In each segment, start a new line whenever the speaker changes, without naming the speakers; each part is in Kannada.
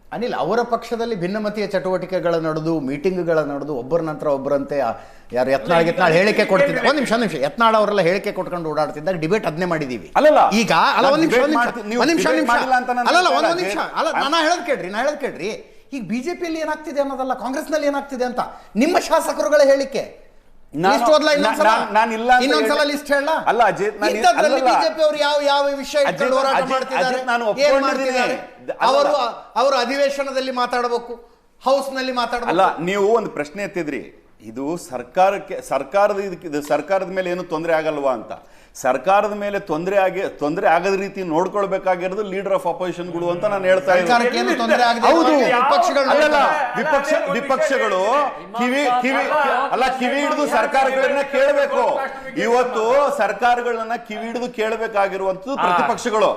ಅನಿಲ್, ಅವರ ಪಕ್ಷದಲ್ಲಿ ಭಿನ್ನಮತೀಯ ಚಟುವಟಿಕೆಗಳ ನಡೆದು, ಮೀಟಿಂಗ್ಗಳ ನಡೆದು, ಒಬ್ಬರ ನಂತರ ಒಬ್ಬರಂತೆ ಯಾರು ಯತ್ನಾಳ್ ಹೇಳಿಕೆ ಕೊಡ್ತಿದ್ದ. ಒಂದ್ ನಿಮಿಷ ಯತ್ನಾಳ್ ಅವರೆಲ್ಲ ಹೇಳಿಕೆ ಕೊಟ್ಕೊಂಡು ಓಡಾಡ್ತಿದ್ದಾಗ ಡಿಬೇಟ್ ಅದನ್ನೇ ಮಾಡಿದೀವಿ. ಈಗ ಒಂದ್ ನಿಮಿಷ ನಾನು ಹೇಳೋದ್ ಕೇಳ್ರಿ. ಈಗ ಬಿಜೆಪಿಯಲ್ಲಿ ಏನಾಗ್ತಿದೆ ಅನ್ನೋದಲ್ಲ, ಕಾಂಗ್ರೆಸ್ನಲ್ಲಿ ಏನಾಗ್ತಿದೆ ಅಂತ ನಿಮ್ಮ ಶಾಸಕರುಗಳ ಹೇಳಿಕೆ. ಇನ್ನೊಂದ್ಸಲ ಲಿಸ್ಟ್ ಹೇಳ. ಬಿಜೆಪಿ ಅವರು ಯಾವ ವಿಷಯ ಹೋರಾಟ ಮಾಡ್ತಿದ್ದಾರೆ? ಅವರು ಅಧಿವೇಶನದಲ್ಲಿ ಮಾತಾಡಬೇಕು, ಹೌಸ್ ನಲ್ಲಿ ಮಾತಾಡಬೇಕು.
ಅಲ್ಲ, ನೀವು ಒಂದು ಪ್ರಶ್ನೆ ಎತ್ತಿದ್ರಿ, ಇದು ಸರ್ಕಾರದ ಮೇಲೆ ಏನು ತೊಂದರೆ ಆಗಲ್ವಾ ಅಂತ. ಸರ್ಕಾರದ ಮೇಲೆ ತೊಂದರೆ ಆಗದ ರೀತಿ ನೋಡ್ಕೊಳ್ಬೇಕಾಗಿರೋದು ಲೀಡರ್ ಆಫ್ ಅಪೋಸಿಷನ್ಗಳು ಅಂತ ನಾನು ಹೇಳ್ತಾ ಇದ್ದೀನಿ. ಹೌದು, ವಿಪಕ್ಷಗಳು ಕಿವಿ ಹಿಡಿದು ಸರ್ಕಾರಗಳನ್ನ ಕೇಳಬೇಕು. ಇವತ್ತು ಸರ್ಕಾರಗಳನ್ನ ಕಿವಿ ಹಿಡಿದು ಕೇಳಬೇಕಾಗಿರುವಂತದ್ದು ಪ್ರತಿಪಕ್ಷಗಳು.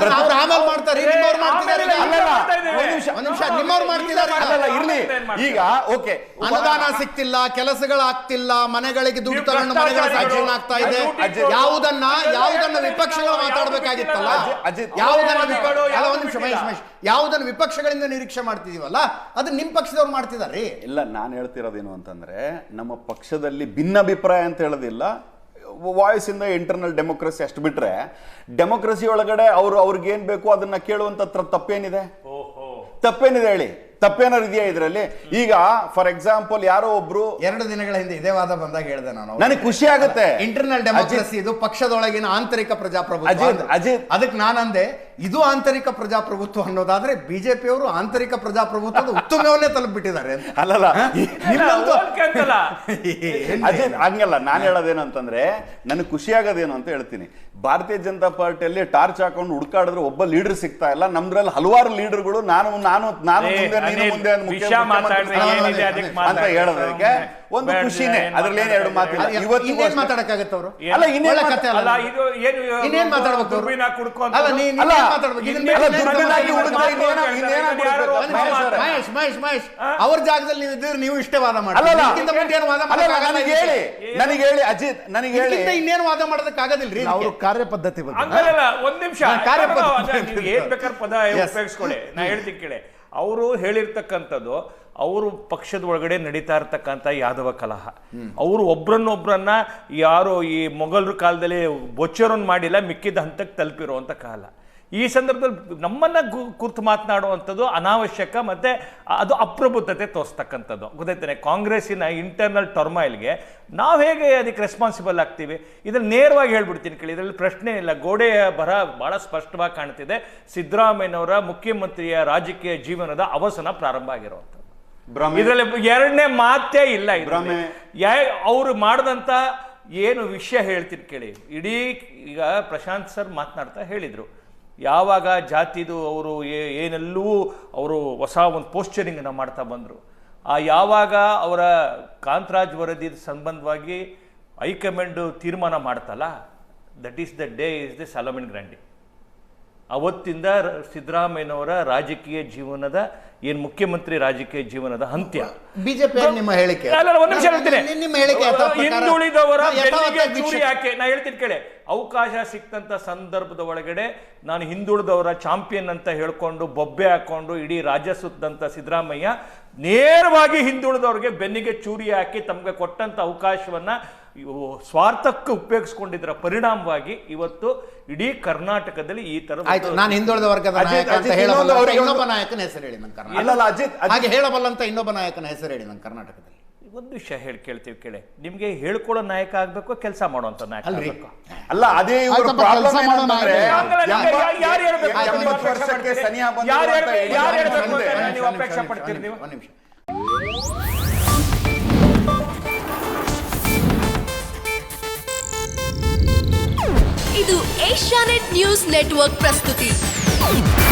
ಇರ್ಲಿ, ಈಗ ಓಕೆ,
ಅನುದಾನ ಸಿಗ್ತಿಲ್ಲ, ಕೆಲಸಗಳಾಗ್ತಿಲ್ಲ, ಮನೆಗಳಿಗೆ ದುಡ್ಡು ತಗೊಂಡು ಮನೆಗಳ ಸಾಕ್ಷಿ ಆಗ್ತಾ ಇದೆ. ಯಾವುದನ್ನ ವಿಪಕ್ಷಗಳು ಮಾತಾಡಬೇಕಾಗಿತ್ತಲ್ಲ, ಯಾವುದನ್ನ ವಿಪಕ್ಷಗಳಿಂದ ನಿರೀಕ್ಷೆ ಮಾಡ್ತಿದೀವಲ್ಲ, ಅದು ನಿಮ್ ಪಕ್ಷದವ್ರು ಮಾಡ್ತಿದಾರೆ.
ಇಲ್ಲ, ನಾನು ಹೇಳ್ತಿರೋದೇನು ಅಂತಂದ್ರೆ, ನಮ್ಮ ಪಕ್ಷದಲ್ಲಿ ಭಿನ್ನಾಭಿಪ್ರಾಯ ಅಂತ ಹೇಳೋದಿಲ್ಲ, ವಾಯ್ಸ್ ಇಂದ ಇಂಟರ್ನಲ್ ಡೆಮೋಕ್ರಸಿ ಅಷ್ಟು ಬಿಟ್ರೆ, ಡೆಮೋಕ್ರಸಿ ಒಳಗಡೆ ಅವ್ರಿಗೆ ಏನ್ ಬೇಕು ಅದನ್ನ ಕೇಳುವಂತ ತಪ್ಪೇನಿದೆ ಹೇಳಿ? ತಪ್ಪೇನಾರು ಇದೆಯಾ ಇದರಲ್ಲಿ? ಈಗ ಫಾರ್ ಎಕ್ಸಾಂಪಲ್ ಯಾರೋ ಒಬ್ರು
2 ದಿನಗಳ ಹಿಂದೆ ಇದೇ ವಾದ ಬಂದಾಗ ಹೇಳಿದೆ ನಾನು,
ನನಗೆ ಖುಷಿ ಆಗುತ್ತೆ.
ಇಂಟರ್ನಲ್ ಡೆಮೋಕ್ರಸಿ ಇದು ಪಕ್ಷದೊಳಗಿನ ಆಂತರಿಕ ಪ್ರಜಾಪ್ರಭುತ್ವ. ಅದಕ್ಕೆ ನಾನಂದೆ, ಇದು ಆಂತರಿಕ ಪ್ರಜಾಪ್ರಭುತ್ವ ಅನ್ನೋದಾದ್ರೆ ಬಿಜೆಪಿಯವರು ಆಂತರಿಕ ಪ್ರಜಾಪ್ರಭುತ್ವದ ಉತ್ತಮವನ್ನೇ ತಲುಪಿಬಿಟ್ಟಿದ್ದಾರೆ.
ಅಲ್ಲಲ್ಲ, ಅಜಿತ್ ಹಂಗಲ್ಲ. ನಾನು ಹೇಳೋದೇನು ಅಂತಂದ್ರೆ, ನನಗೆ ಖುಷಿ ಆಗೋದೇನು ಅಂತ ಹೇಳ್ತೀನಿ. ಭಾರತೀಯ ಜನತಾ ಪಾರ್ಟಿಯಲ್ಲಿ ಟಾರ್ಚ್ ಹಾಕೊಂಡು ಹುಡುಕಾಡಿದ್ರೆ ಒಬ್ಬ ಲೀಡರ್ ಸಿಗ್ತಾ ಇಲ್ಲ. ನಮ್ದ್ರಲ್ಲಿ ಹಲವಾರು ಲೀಡರ್ಗಳು ನಾನು ಮುಂದೆ ಅಂತ ಹೇಳೋದಕ್ಕೆ ಒಂದು ಖುಷಿನೇ, ಅದ್ರಲ್ಲಿ ಏನ್ 2 ಮಾತಿಲ್ಲ.
ಇವತ್ತು ಮಾತಾಡಕ್ಕಾಗತ್ತೆ ಅವರು?
ಅಲ್ಲ, ಇನ್ನೇನ್
ಮಾತಾಡ್ಬೇಕು? ಮಹೇಶ್, ಅವ್ರ ಜಾಗದಲ್ಲಿ ನೀವು ಇದ್ರೆ ನೀವು ಇಷ್ಟೇ ವಾದ ಮಾಡಿ.
ನನಗೆ ಹೇಳಿ ಅಜಿತ್, ನನಗೆ ಹೇಳಿ
ಇನ್ನೇನು ವಾದ ಮಾಡೋದಕ್ಕಾಗೋದಿಲ್ರಿ.
ಅವರು ಕಾರ್ಯಪದ್ಧತಿ
ಒಂದ್ ನಿಮಿಷ ಏನ್ ಬೇಕಾದ್ರೆ ಪದ ಉಪಯೋಗಿಸ್ಕೊಳ್ಳಿ. ನಾ ಹೇಳ್ತೀನಿ ಕೇಳಿ, ಅವರು ಹೇಳಿರ್ತಕ್ಕಂಥದ್ದು ಅವರು ಪಕ್ಷದ ಒಳಗಡೆ ನಡೀತಾ ಇರ್ತಕ್ಕಂಥ ಯಾದವ ಕಲಹ. ಅವರು ಒಬ್ರನ್ನೊಬ್ರನ್ನ ಯಾರು ಈ ಮೊಘಲರ ಕಾಲದಲ್ಲಿ ಬೊಚ್ಚರನ್ನು ಮಾಡಿಲ್ಲ, ಮಿಕ್ಕಿದ ಹಂತಕ್ಕೆ ತಲುಪಿರುವಂಥ ಕಾಲ. ಈ ಸಂದರ್ಭದಲ್ಲಿ ನಮ್ಮನ್ನ ಕುರಿತು ಮಾತನಾಡುವಂಥದ್ದು ಅನಾವಶ್ಯಕ, ಮತ್ತೆ ಅದು ಅಪ್ರಬುದ್ಧತೆ ತೋರಿಸ್ತಕ್ಕಂಥದ್ದು. ಗೊತ್ತಾಯ್ತಾನೆ, ಕಾಂಗ್ರೆಸ್ಸಿನ ಇಂಟರ್ನಲ್ ಟರ್ಮಾಯಿಲ್ಗೆ ನಾವು ಹೇಗೆ ಅದಕ್ಕೆ ರೆಸ್ಪಾನ್ಸಿಬಲ್ ಆಗ್ತೀವಿ? ಇದನ್ನು ನೇರವಾಗಿ ಹೇಳ್ಬಿಡ್ತೀನಿ ಕೇಳಿ, ಇದರಲ್ಲಿ ಪ್ರಶ್ನೆ ಇಲ್ಲ. ಗೋಡೆಯ ಬರಹ ಬಹಳ ಸ್ಪಷ್ಟವಾಗಿ ಕಾಣ್ತಿದೆ. ಸಿದ್ದರಾಮಯ್ಯನವರ ಮುಖ್ಯಮಂತ್ರಿಯ ರಾಜಕೀಯ ಜೀವನದ ಅವಸಾನ ಪ್ರಾರಂಭ ಆಗಿರುವಂಥದ್ದು. ಇದರಲ್ಲಿ 2ನೇ ಮಾತೇ ಇಲ್ಲ. ಅವರು ಮಾಡಿದಂಥ ಏನು ವಿಷಯ ಹೇಳ್ತೀನಿ ಕೇಳಿ. ಇಡೀ ಈಗ ಪ್ರಶಾಂತ್ ಸರ್ ಮಾತನಾಡ್ತಾ ಹೇಳಿದರು, ಯಾವಾಗ ಜಾತಿದು ಅವರು ಏನೆಲ್ಲವೂ ಅವರು ಹೊಸ ಒಂದು ಪೋಸ್ಚರಿಂಗನ್ನು ಮಾಡ್ತಾ ಬಂದರು. ಯಾವಾಗ ಅವರ ಕಾಂತರಾಜ್ ವರದಿ ಸಂಬಂಧವಾಗಿ ಹೈಕಮಾಂಡ್ ತೀರ್ಮಾನ ಮಾಡ್ತಲ್ಲ, that is the day is the Solomon Grundy. ಅವತ್ತಿಂದ ಸಿದ್ದರಾಮಯ್ಯನವರ ರಾಜಕೀಯ ಜೀವನದ ಏನು ಮುಖ್ಯಮಂತ್ರಿ ರಾಜಕೀಯ ಜೀವನದ ಅಂತ್ಯ.
ಬಿಜೆಪಿ ನಿಮ್ಮ ಹೇಳಿಕೆ,
ಹಿಂದುಳಿದವರ ಚೂರಿ ಯಾಕೆ? ನಾ ಹೇಳ್ತೀನಿ ಕೇಳಿ, ಅವಕಾಶ ಸಿಕ್ತಂತ ಸಂದರ್ಭದ ಒಳಗಡೆ ನಾನು ಹಿಂದುಳಿದವರ ಚಾಂಪಿಯನ್ ಅಂತ ಹೇಳ್ಕೊಂಡು ಬೊಬ್ಬೆ ಹಾಕೊಂಡು ಇಡೀ ರಾಜ್ಯ ಸುತ್ತಂತ ಸಿದ್ದರಾಮಯ್ಯ ನೇರವಾಗಿ ಹಿಂದುಳಿದವ್ರಿಗೆ ಬೆನ್ನಿಗೆ ಚೂರಿ ಹಾಕಿ ತಮಗೆ ಕೊಟ್ಟಂತ ಅವಕಾಶವನ್ನ ಸ್ವಾರ್ಥಕ್ಕೆ ಉಪಯೋಗಿಸ್ಕೊಂಡಿದ್ದರ ಪರಿಣಾಮವಾಗಿ ಇವತ್ತು ಇಡೀ ಕರ್ನಾಟಕದಲ್ಲಿ ಈ ತರ.
ನಾನು ಹಿಂದುಳಿದ ವರ್ಗದ ನಾಯಕ ಅಂತ ಇನ್ನೊಬ್ಬ ನಾಯಕನ ಹೆಸರು ಹೇಳಿ ನನ್ನ ಕರ್ನಾಟಕ, ಹಾಗೆ ಹೇಳಬಲ್ಲಂತ ಇನ್ನೊಬ್ಬ ನಾಯಕನ ಹೆಸರು ಹೇಳಿ ನನ್ನ ಕರ್ನಾಟಕದಲ್ಲಿ.
ಒಂದು ವಿಷಯ ಕೇಳ್ತೀವಿ ಕೇಳಿ, ನಿಮ್ಗೆ ಹೇಳ್ಕೊಳ್ಳೋ ನಾಯಕ ಆಗ್ಬೇಕು, ಕೆಲಸ ಮಾಡುವಂತ ನಾಯಕ ಆಗ್ಬೇಕು.
ಅಲ್ಲ, ಅದೇ
ಅಪೇಕ್ಷೆ ಪಡ್ತೀರಿ ನೀವು?
ಇದು ಏಷ್ಯಾನೆಟ್ ನ್ಯೂಸ್ ನೆಟ್ವರ್ಕ್ ಪ್ರಸ್ತುತಿ.